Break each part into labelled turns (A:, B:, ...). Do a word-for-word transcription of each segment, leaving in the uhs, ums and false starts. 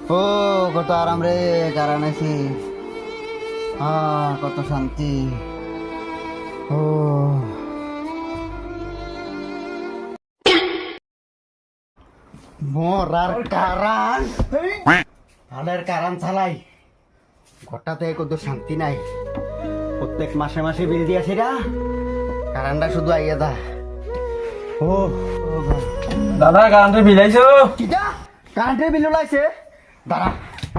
A: ও কত আরাম রে কারণ আছি কত শান্তি ও মরার কারণ ভালের কারণ চালাই ঘরটাতে কত শান্তি নাই প্রত্যেক মাসে মাসে বিল দিয়েছি না কারণটা শুধু আইয়া দা ও
B: দাদা কারেন্টের বিল আইছো
A: কিটা কারেন্টের বিল লাইছে দাঁড়া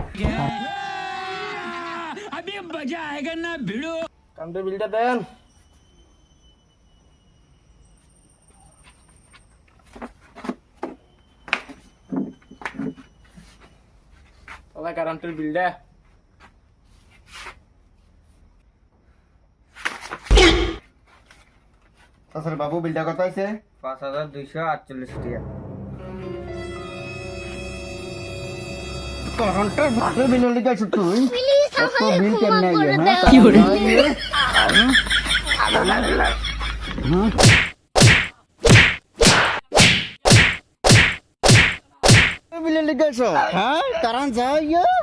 C: अभी मजा आएगा ना भिड़ो।
B: কারেন্টের বিলটা দেন। দাদা কারেন্টের বিলটা
A: তাছাড়া বাবু বিলটা কত হয়েছে
B: পাঁচ হাজার দুইশো আটচল্লিশ টাকা।
A: কারেন্টের ভাটের বিল লিখেছ তুই এত বিল কেমনে আইয়ে হ্যাঁ
C: কি করে?
A: বিল লিখেছ হ্যাঁ কারেন্ট যাই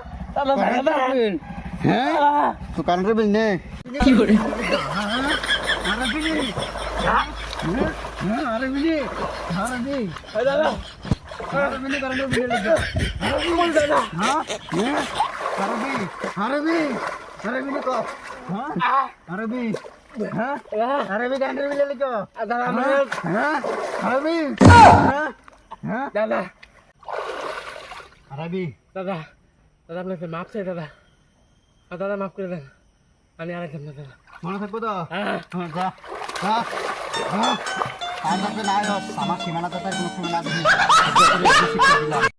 A: হ্যাঁ তো কারেন্টের বিল নে
C: কি করে?
A: আরে বিলি আরে বিলি
B: দাদা
A: আরে বিলি কারেন্টের বিল লিখে হ্যাঁ হ্যাঁ আরে বিলি আরে বিলি আরে বিলি কো হ্যাঁ আরে বিলি হ্যাঁ আরে বিলি কারেন্টের বিল লিখো
B: দাদা
A: হ্যাঁ আরে বিলি হ্যাঁ হ্যাঁ
B: দাদা
A: আরে বিলি
B: দাদা দাদা আপনাকে মাফ চাই দাদা আর দাদা মাফ করে দেন আমি আর একদম না দাদা
A: মনে থাকবো তো
B: হ্যাঁ
A: হ্যাঁ যা হ্যাঁ হ্যাঁ আর যাতে না হয় আমার সীমানা তো তার কোনো সীমানা নেই